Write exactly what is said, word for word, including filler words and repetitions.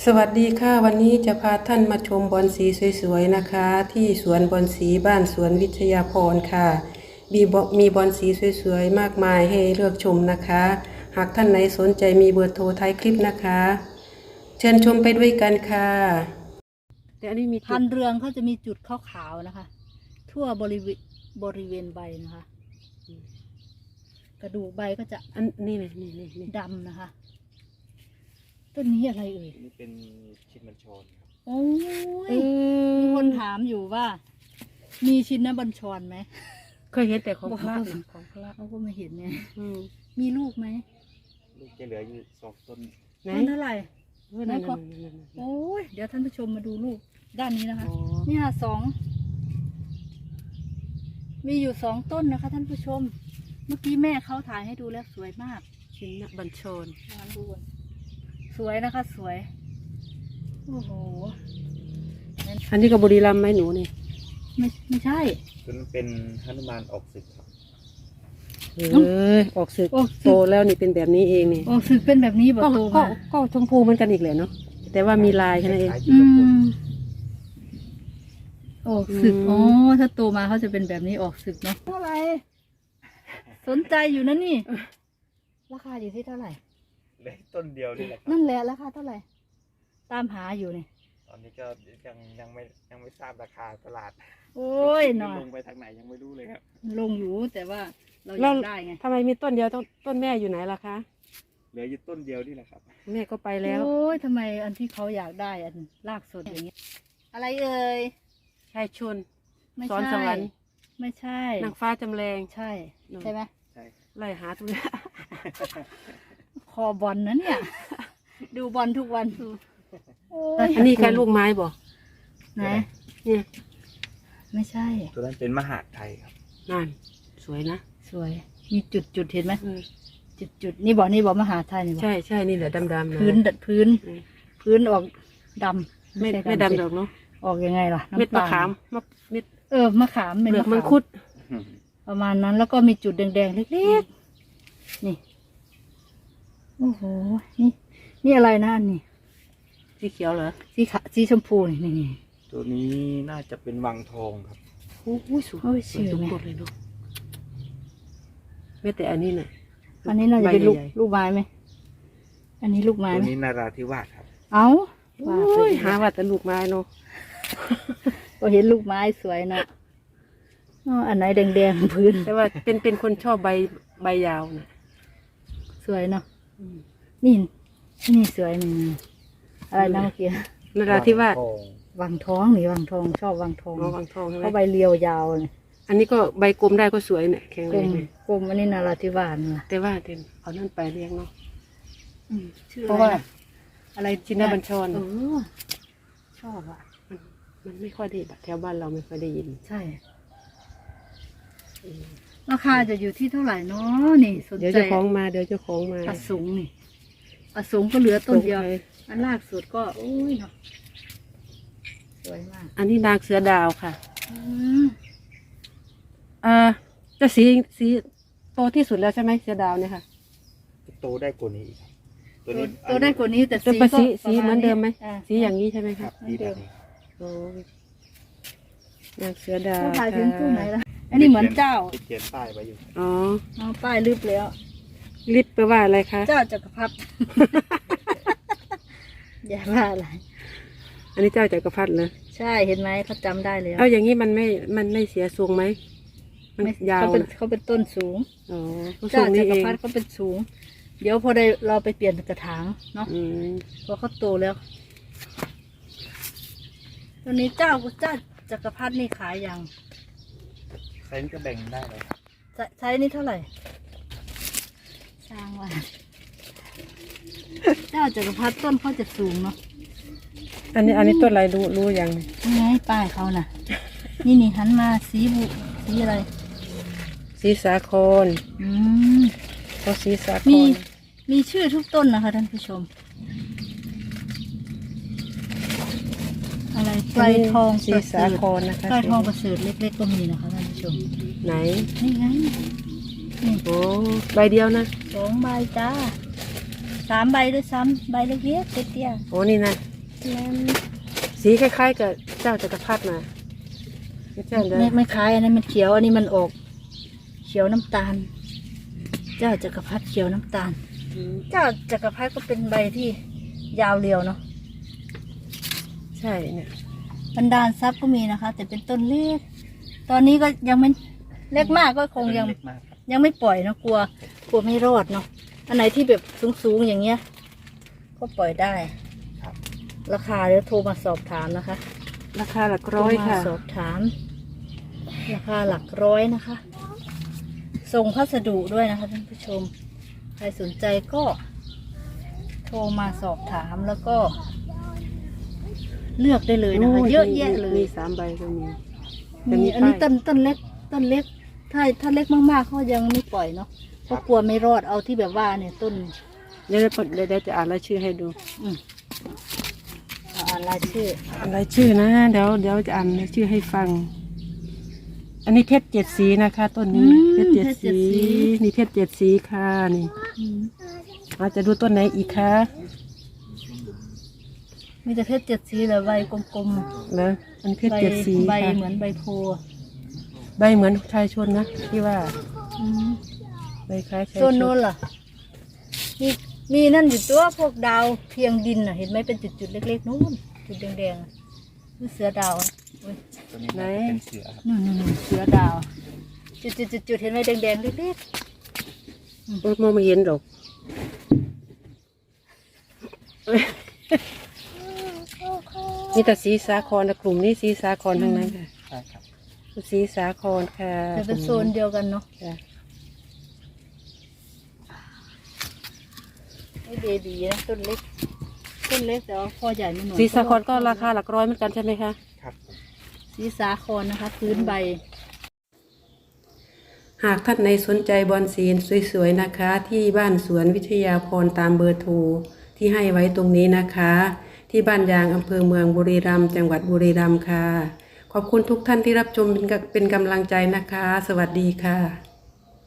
สวัสดีค่ะวันนี้จะพาท่านมาชมบอนสีสวยๆนะคะ ที่สวนบอนสีบ้านสวนวิทยาพรค่ะมีบมีบอนสีสวยๆมากมายให้เลือกชมนะคะ หากท่านไหนสนใจมีเบอร์โทรท้ายคลิปนะคะ เชิญชมไปด้วยกันค่ะแต่อันนี้มีพันเรืองเขาจะมีจุดขาวๆนะคะ ทั่วบริเวณบริเวณใบนะคะ กระดูกใบก็จะอันนี่เลยนี่นี่นี่ดำนะคะต้นนี้อะไรเอ่ยนี่เป็นชินบัญชรครับโอ้เอย อมีคนถามอยู่ว่า มีชินบัญชรไหมเคยเห็นแต่ของพระนะของพระเขาก็ไม่เห็นเนี่ยอืมมีลูกไหมลูกจะเหลืออยู่สองต้นไหนต้นเท่าไหร่เออนั่นนั่นนั่นนั่นโอ้ยเดี๋ยวท่านผู้ชมมาดูลูกด้านนี้นะคะอ๋อเนี่ยสองมีอยู่สองต้นนะคะ ท่านผู้ชม เมื่อกี้แม่เขาถ่ายให้ดูแล้วสวยมากชินบัญชรมาดูก่อนสวยนะคะ สวย โอ้โหอันนี้ก็บุรีรัมย์ไหมหนูนี่ไม่ไม่ใช่ตัวนั้นเป็นหนุมานออกศึกครับเออออกศึกออกศึกโตแล้วนี่เป็นแบบนี้เองนี่โอ้สึกเป็นแบบนี้บอกก็โตก็มาก็ชมพูเหมือนกันอีกเลยเนาะแต่ว่ามีลายแค่นั้นเองคล้ายๆอืจุลพลมออกศึกอืมอ๋อถ้าโตมาเขาจะเป็นแบบนี้ออกศึกเนาะเท่าไหร่สนใจอยู่นะนี่ ราคาอยู่ที่เท่าไหร่เหลยต้นเดียวนี่แหละครับนั่นแหละราคาเท่าไหร่ ตามหาอยู่นี่ตอนนี้ก็ยังยังไม่ยังไม่ทราบราคาตลาดโอ้ยหน่อยลงไปทางไหนยังไม่รู้เลยครับลงอยู่แต่ว่าเราอแล้ยาว กได้ไงทำไมมีต้นเดียวต้นต้นแม่อยู่ไหนล่ะคะเหลืออยู่ต้นเดียวนี่แหละครับแม่ก็ไปแล้วโอ้ยทำไมอันที่เขาอยากได้อันรากสดอย่างเงี้ยอะไรเอ่ยชายชนไม่สอนใช่สวรรค์ไม่ใช่นางฟ้าจำแรงใช่ ใช่ไหมใช่ไล่หาทุกอย่างคอบอลนะเนี่ย ดูบอลทุกวันโอ้ยอันนี้แค่ลูกไม้บ่ไหนเนี่ยไม่ใช่ตัวนั้นเป็นมหาดไทยครับนั่นสวยนะสวย มีจุดจุดๆเห็นไหมเออจุดจุดๆนี่บอกนี่บอกมหาไทยนี่บอกใช่ใช่นี่แหละดำๆนะพื้นดัดพื้นอืมพื้นออกดำไม่ใช่ไม่สิดำดอกเนาะออกยังไงล่ะเม็ดน้ำมะตาลขามมะเม็ดเออมะขามเปเป็นลือกมะมังขามคุดประมาณนั้นแล้วก็มีจุดแดงๆเล็กๆ นี่ โอ้โห นี่ นี่อะไรนะอันนี่สีเขียวเหรอสีขาวสีชมพูนี่นี่นี่ตัวนี้น่าจะเป็นวังทองครับโอ้โหสวยโอ้ยสวยชื่อทุกไหมต้นเลยเนาะแม้แต่อันนี้น่ะอันนี้น่าจะเป็นลูกใบใหญ่ลูกไม้ไหม อันนี้ลูกไม้ตัวไหมนี้นาราธิวาสครับเอ้าๆว่าโอ้ไปยหาว่าแต่ลูกไม้เนาะก็เห็นลูกไม้สวยนะอ๋ออันไหนแดงๆพื้นแต่ว่าเป็นเป็นคนชอบใบใบยาวนะสวยเนาะอืมนี่ นี่สวยนี่อะไรนะเมื่อกี้นราธิวาสวังทองวังทองนี่วังทองชอบวังทองอ๋อวังทองใช่ไหมเขาใบเรียวยาวเลยอันนี้ก็ใบกลมได้ก็สวยเนี่ยแข็งกแรลงมเลยกลมอันนี้นาราธิวาสนะแต่ว่าเต็มเอานั่นไปเลี้ยงเนาะอืมชื่อเพราะว่าอะไรนะอะไรชินบัญชรเออชอบอ่ะมันมันไม่ค่อยได้แถวบ้านเราไม่ค่อยได้ยินใช่ ราคาจะอยู่ที่เท่าไหร่เนาะนี่สนเดี๋ยวใจเจ้าของมาเดี๋ยวเจ้าของมาปลาสูงนี่ปลาสูงก็เหลือต้นเดียวตกไปอันลากสุดก็โอ้ยเนาะสวยมากอันนี้นางเสือดาวค่ะอืมอ่าจะสีสีโตที่สุดแล้วใช่ไหมเสือดาวเนี่ยค่ะโตได้กว่านี้อีกครับตัวตัวนี้ตัวได้กว่านี้แต่จะสีเป็นก็สีปสีระาณเหมือนเดิมไหมอ่าสีอย่างนี้ใช่ไหมคคะรับสีแบบนี้โอ้ยนางเสือดาวเขาถ่ายถึงตู้ไหนค่ะล่ะอันนี้เหมือนเจ้าที่เขียนป้ายไว้อยู่อ๋อเอาป้ายลืบแล้วลิปแปลว่าอะไรคะเจ้าจักรพรรดิ อย่าว่าอะไรอันนี้เจ้าจักรพรรดิเหรอใช่เห็นไหมเขาจำได้แล้วเอาอย่างนี้มันไม่มันไม่เสียทรงไหมมันไม่ยาวเขาเป็นนะเขาเป็นต้นสูงอ๋อเขาทรเจ้างนี้จักเอรง พรรดิเขาเป็นสูง เดี๋ยวพอได้เราไปเปลี่ยนกระถางเนาะอืมพอเขาโตแล้วตัวนี้เจ้าเจ้าจักรพรรดินี่ขายยังไซส์นี้ก็แบ่งได้เลยครับใช้ใช้นี่เท่าไหร่ช่างว่า เจ้าจักรพรรดิต้นเขาจะสูงเนาะอันนี้อันนี้ต้นอะไรรู้รู้ยังนี่ไงป้ายเขาน่ะ นี่นี่หันมาสีบุสีอะไรสีสาครอืมเขาสีสาคมีรมีชื่อทุกต้นนะคะท่านผู้ชม อะไรไกลทองสีประเสสาริฐครนะคะไกลทองประเสริฐเล็กๆก็มีนะคะท่านผู้ชมไหนนี่ไงนี่โอ้ใบเดียวนะสองใบจ้าสามใบด้วยซ้ำใบเล็กๆเตี้ยโอ้นี่นะๆสีคล้ายๆกับเจ้าจักรพรรดินะไม่ใช่เด้อไม่ไม่คล้ายอันนั้นมันเขียวอันนี้มันออกเขียวน้ำตาล เจ้าจักรพรรดิเขียวน้ำตาลอืมเจ้าจักรพรรดิก็เป็นใบที่ยาวเรียวเนาะใช่เนี่ยบรรดาลทรัพย์ก็มีนะคะ แต่เป็นต้นเล็ก ตอนนี้ก็ยังไม่เล็กมากก็คงยังเล็กมากครับยังไม่ปล่อยเนาะกลัวกลัวไม่รอดเนาะอันไหนที่แบบสูงๆอย่างเงี้ย ก็ปล่อยได้ครับราคาเดี๋ยวโทรมาสอบถามนะคะราคาหลักร้อยโทมาค่ะสอบถาม ราคาหลักร้อยนะคะ ส่งพัสดุด้วยนะคะท่านผู้ชม ใครสนใจก็ โทรมาสอบถามแล้วก็ เลือกได้เลยนะคะ เยอะแยะเลยมีสามใบก็มีมีอันนี้ป้ายต้นต้นเล็ก ต้นเล็ก ถ้าถ้าเล็กมากๆเขายังไม่ปล่อยเนาะเพราะกลัวไม่รอดเอาที่แบบว่าเนี่ยต้นเดี๋ยวเดี๋ยวเดี๋ยวจะอ่านรายชื่อให้ดูอืมเอาอ่านรายชื่ออ่านรายชื่อนะเดี๋ยวเดี๋ยวจะอ่านรายชื่อให้ฟัง อันนี้เพชรเจ็ดสีนะคะต้นนี้อืมเพชรเจ็ดเพชรเจ็สีดสีนี่เพชรเจ็ดสีค่ะนี่อืมอาจจะดูต้นไหนอีกคะมีแต่เพชรเจ็ดสีเหรอใบกลมนะอันเพๆชรเจ็ดสีใบค่ะเหมือนใบโพธิ์ใบเหมือนชายชนนะที่ว่าอืมใบคล้ายชายชต้นนโน้นล่ะ มีมีนั่นอยู่ตัวพวกดาวเพียงดินน่ะ เห็นไหมเป็นจุดๆเล็กๆนู้นจุดแดงๆอ่ะนี่เสือดาวอ่ะอุ๊ยตัวนี้น่าจะเป็นเสือครับนู่นๆๆเสือดาว จุดๆๆๆเห็นไหมแดงๆเล็กโอ้ยมองไม่เห็นหรอกนี่แต่สีสาครนะกลุ่มนี้สีสาครทั้งนั้นค่ะใช่ครับสีสาครค่ะๆจะเป็นโซนเดียวกันเนาะค่ะนี่เบบีนะต้นเล็ก ต้นเล็กแต่ว่าพอใหญ่ไม่หน่อยสีสาครก็ราคาหลักร้อยเหมือนกันใช่ไหมคะครับสีสาครนะคะ พื้นใบหากท่านในสนใจบอนสีสวยๆนะคะ ที่บ้านสวนวิทยาพรตามเบอร์โทรที่ให้ไว้ตรงนี้นะคะ ที่บ้านยางอำเภอเมืองบุรีรัมย์จังหวัดบุรีรัมย์ค่ะ ขอบคุณทุกท่านที่รับชมเป็นกำเป็นกำลังใจนะคะ สวัสดีค่ะ